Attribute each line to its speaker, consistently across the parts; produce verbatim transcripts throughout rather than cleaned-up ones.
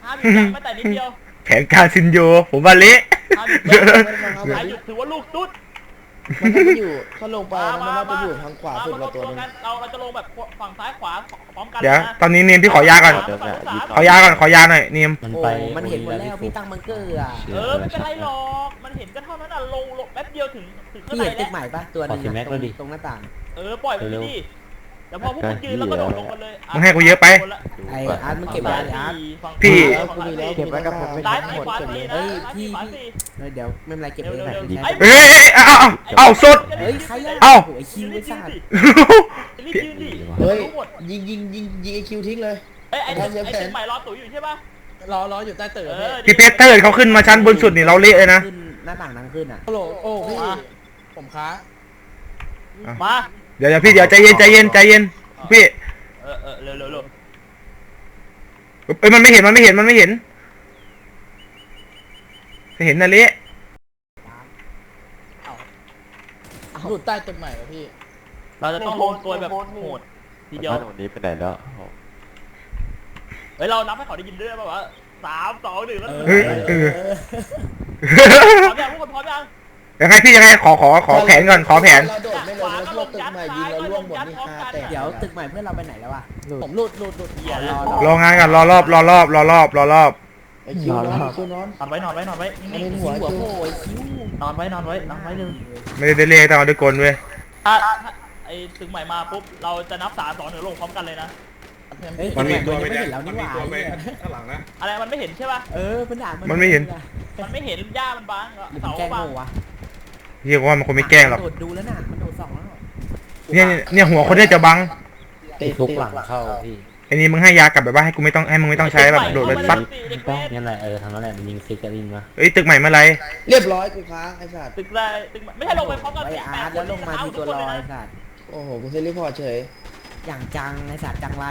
Speaker 1: ห้าบิดยังไม่แต่นิดเดียว
Speaker 2: แผนการซินโยผมว่าเละ
Speaker 1: ห้าบิดยังใครหยุดถือว่าลูกตุ๊ด
Speaker 3: มันไม่อยู่ถ้าลงไปมันน่าจะอยู่ทางขวาสุดเราตัวนึง
Speaker 1: เราเราจะลงแบบฝั่งซ้ายขวาพร้อมกัน
Speaker 2: เดี๋ยวตอนนี้เนียมพี่ขอยาก่อนขอยาก่อนขอยาหน่อยเนียม
Speaker 4: มันไป
Speaker 3: มันเห็นหมดแล้วพี่ตั้งบังเกอร์อ่ะ
Speaker 1: เออไม่เป็นไรหรอกมันเห็นก็เท่านั้นอ่ะลงลงแป๊บเดียวถึงถึงข้าง
Speaker 3: พี่
Speaker 1: ใน
Speaker 3: เห็นตึกใหม่ปะตัวนึงตรงหน้าต่าง
Speaker 1: เออปล่อยไปดิแล้วพอพวกคุณยืนแล้วก็โดดลงกันเลย
Speaker 2: มึงให้กูเยอะไป
Speaker 3: ไอ้อาร์ตมันเก็บไว้อาร์ต
Speaker 2: พี่
Speaker 3: เก็บไว้กับผมไม่
Speaker 1: ซ้าย
Speaker 3: ทั้งหมด
Speaker 1: ขวา
Speaker 3: เก็บ
Speaker 1: สี่
Speaker 3: เลย
Speaker 1: นะ
Speaker 3: เฮ้ยพี่พี่เดี๋ยวไม่เป็นไรเก็บเอง
Speaker 2: เฮ้ยเฮ้ยเอาเอาเอาสด
Speaker 3: เฮ้ยใครอ่ะ
Speaker 2: เอ้า
Speaker 3: โอ้ยคิวไม่ทราบ
Speaker 1: รีบยืนดิ
Speaker 3: เฮ้ยยิงยิงยิงยิงไอคิวทิ้งเลย
Speaker 1: ไอ้ไอ้ไอ้เชียงใหม่รอตุ๋ยอยู่ใช่ป่ะ
Speaker 3: รอรออยู่ใต้ตึก
Speaker 2: พี่เพชรเตอร์เขาขึ้นมาชั้นบนสุดนี่เราเละเลยนะ
Speaker 3: หน้าต่างนั่งขึ้นอ่ะโอ้โหโอ้พี่ผมค้า
Speaker 1: มา
Speaker 2: เดี๋ยวพี่เดี๋ยวใจเย็นใจเย็นใจเย็นพี่
Speaker 1: เออเออเร็วเร็วเร็ว
Speaker 2: เอ้ยมันไม่เห็นมันไม่เห็นมันไม่เห็นจะเห็นนะเละ
Speaker 3: หลุดใต้ตึกใหม่เหรอพี่
Speaker 1: เราจะต้องลงตัวแบบโหดทีเดียว
Speaker 4: วันนี้ไปไหนแล้ว
Speaker 1: เฮ้ยเรานับให้เขาได้ยินด้วยป่ะวะสามสองหนึ่งแล้ว
Speaker 2: เออเออ
Speaker 1: พร้อมยังทุกคนพร้อมยัง
Speaker 2: ยังไงพี่ยังไงขอขอขอแผนก่อนขอแผน
Speaker 3: เราโดดไม่ลงแล้วพวกตึกใหม่ยิงเราล่วงหมดนี่ฮาแต่เดี๋ยวตึกใหม่เพื่อนเราไปไหนแล้ววะผมหลุดหลุดหลุดเหี้ย
Speaker 2: รองานกันรอรอบรอรอบรอรอบรอรอบ
Speaker 3: ไอ้คิวนอนคิวนอน
Speaker 1: นอนไว้นอนไว้นอนไว้
Speaker 3: นี่หัวหัวโอ้ยคิ
Speaker 1: วนอนไว้นอนไว้นอนไว้เลย
Speaker 2: ไม่ได้เรียกแต่เอาด้วยกลเว้ย
Speaker 1: ถ้าไอ้ตึกใหม่มาปุ๊บเราจะนับสามสองหนึ่งลงพร้อมกันเลยนะ
Speaker 3: มันมีตัวไม่เห็นแล้วนี่หว่า
Speaker 5: ข้างหลังนะ
Speaker 1: อะไรมันไม่เห็นใช่ป่ะ
Speaker 3: เออมันด่า
Speaker 2: มันไม่เห็น
Speaker 1: มันไม่เห็นหญ้ามันบางเสาบาง
Speaker 2: เรียกว่ามันคงไม่แกล้งหรอก
Speaker 3: โดดดูแล้วน่ะมันโดดสองแล้ว
Speaker 2: เนี่ยเนี่ยหัวคนนี้จะบัง
Speaker 4: ติดทุกหลังเข้าพี่
Speaker 2: ไอ้นี่มึงให้ยากลับแบบว่าให้กูไม่ต้องให้มึงไม่ต้องใช้แบบโดดแบบซัด
Speaker 4: ต้องนี่แหละเออทำนั่นแหละมันยิงซิกจะยิงมา
Speaker 2: เอ้ยตึกใหม่เมื่อไร
Speaker 3: เรียบร้อยกูค้างไอ้สัตว์
Speaker 1: ตึกไรตึกไม่ให้ลงไปพร้อมกัน
Speaker 3: ไอ้อาร์ตแล้วลงมาที่ตัวลอยสัตว์โอ้โหกูเซรีพอร์ตเฉยอย่างจังไอ้สัตว์จังไร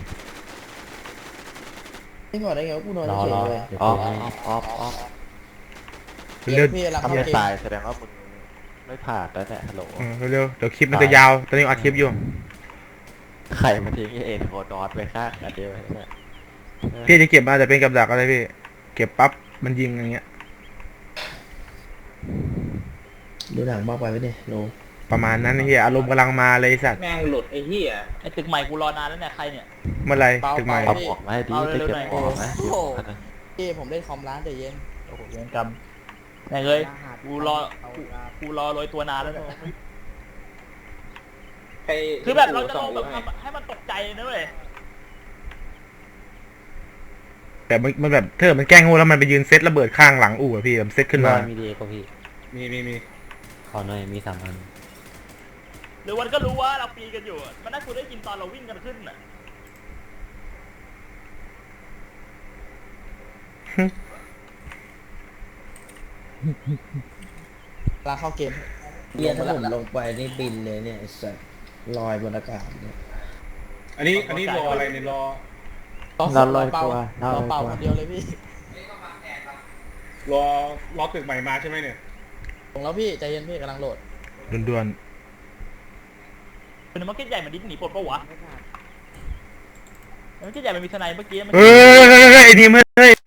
Speaker 3: ไม่พอได้ไงว่ากูนอนเฉยเลย
Speaker 4: อ๋ออ๋ออ๋อ
Speaker 2: เร็ว
Speaker 4: ทำยังตายแสดงว่ามึงไม่ผ่านแล้วแหละฮัลโหล
Speaker 2: เร็วเดี๋ยวคลิปมันจะยาวตอนนี้อัดคลิปอยู่
Speaker 4: ใครมาทิ้งเอ็นโคดอสไปฆ่ากันเดียวเนี่ย
Speaker 2: พี่จะเก็บมาแต่เป็นกับดักอะไรพี่เก็บปั๊บมันยิงอย่างเงี้ย
Speaker 3: ดูหนังมากไปไหมเนี่ยโน
Speaker 2: ประมาณนั้นเฮียอารมณ์กำลังมาเลยสัตว์
Speaker 1: แม่งหลุดไอ้เหี้ยไอ้ตึกใหม่กูรอนานแล้วเนี่ยใครเนี่ย
Speaker 2: เมื่อไรตึกใหม่
Speaker 4: เอาออกมาให้ดีจะเก็บออกนะ
Speaker 3: พี่ผมเล่นคอมร้านแต่เย็น
Speaker 1: โอ้โหเย็นกรรมแม่งเลยกูรอกูรอโรยตัวนานแล้วเนี่ยคือแบบเราจะลงแบบให้มันตกใจนะเว้ย
Speaker 2: แต่มันมันแบบเธอมันแกล้งงูแล้วมันไปยืนเซตระเบิดข้างหลังอู่อะพี่มันเซตขึ้นมา
Speaker 4: มีดีก็พี่
Speaker 5: มีมีมี
Speaker 4: ขอหน่อยมีสามอัน
Speaker 1: หรือวันก็รู้ว่าเราปีกันอยู่มันน่าจะได้ยินตอนเราวิ่งกันขึ้นน่ะ
Speaker 3: ลาเข้าเกมเรียนถ้าผมลงไปนี่บินเลยเนี่ยสัตว์ลอยบนอากาศเนี่ย
Speaker 5: อันนี้อันนี้รออะไรเนี่ยรอ
Speaker 4: เราลอยตัว
Speaker 3: เราเป่าคนเดียวเลยพี่
Speaker 5: รอรอตึกใหม่มาใช่ไหมเนี่ย
Speaker 3: ลงแล้วพี่ใจเย็นพี่กำลังโหลด
Speaker 2: ด่วน
Speaker 1: ๆเป็นมาร์เก็ตใหญ่มันดิ้นหนีปลดปะวะมาร์เก็ตใหญ่มันมีทนายเมื่อกี้
Speaker 2: เฮ้ยเฮ้ยเฮ้ยไอ้นี่เฮ้ย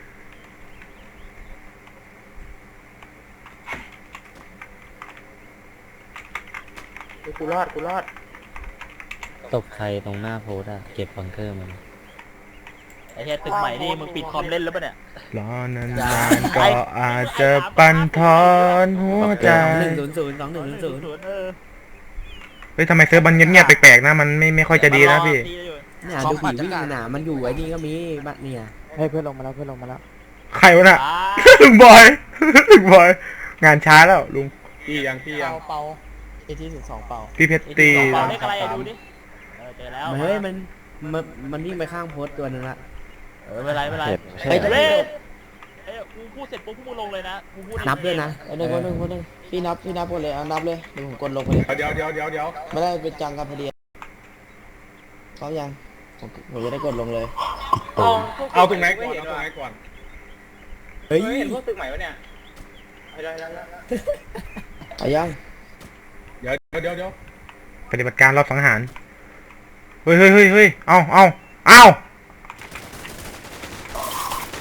Speaker 3: กูรอดกูรอด
Speaker 4: ตบใครตรงหน้าโพสอะเก็บบังเกอร์มัน
Speaker 1: ไอ้เหี้ยตึกใหม่นี่มึงปิดคอมเล่นแล้วปะเนี่ย
Speaker 2: รอนานๆก็อาจจะปั่นทอนหัวใจ
Speaker 3: หนึ่งศูนย์ศูนย์สองหนึ่งศูนย์ศูนย์
Speaker 2: เฮ้ยทำไมเซิร์ฟมันเงียบๆแปลกๆนะมันไม่ไม่ค่อยจะดีนะพี่
Speaker 3: เนี่ยดูผีวิ่งหนามันอยู่ไอ้นี่ก็มีบัดเนี่ยให้เพื่อนลงมาแล้วเพื่อนลงมาแล้ว
Speaker 2: ใครวะน่ะลุงบอยลุงบอยงานช้าแล้วลุง
Speaker 5: พี่ยังพี่ยัง
Speaker 3: เป่าเอทีสิบสองเป่า
Speaker 2: พี่เพชรตี
Speaker 1: เป่าได้อะไรดูดิเจอแล้ว
Speaker 3: เฮ้ยมันมันมันวิ่งไปข้างโพสตัวนึงละ
Speaker 1: เออไม่ไรไม่ไร
Speaker 3: ไปเลย
Speaker 1: เอ้ยกูพูดเสร็จปุ๊บพวกมึงลงเลยนะกูพูด
Speaker 3: นับด้วยนะหนึ่งคนหนึ่งคนหนึ่งพี่นับพี่นับหมดเลยเอานับเลยเดี๋ยวผมกดลงไปเลย
Speaker 5: เดี๋ยวเดี๋ยวเดี๋ยวเดี๋ยว
Speaker 3: ไม่ได้เป็นจังกับพอดีเขายังผมจะได้กดลงเลย
Speaker 5: เอาเอาตรงไหนก่อนเอาตรงไหนก่อน
Speaker 3: เฮ้ย
Speaker 1: เห็นพวกตึกใหม่วะเนี่ยได้แล้ว
Speaker 3: เอายัง
Speaker 5: เดี๋ยวเดี๋ยวเดี๋ยว
Speaker 2: ปฏิบัติการรอบสังหารเฮ้ยเฮ้ยเฮ้ยเฮ้ยเอาเอาเอา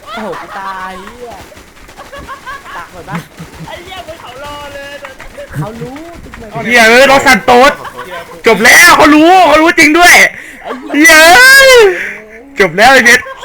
Speaker 3: โอ้โหกูตายเหี้ยตักหมดปะ
Speaker 1: ไอ้เหี้ยมึงเขารอเลย
Speaker 3: เขารู้ตึกไหน
Speaker 2: เฮียเอ้ยรอสันโต๊ดจบแล้วเขารู้เขารู้จริงด้วย
Speaker 3: ไอ้เหี้ย
Speaker 2: เฮียเอ้ยจบแล้วไอ้เพชร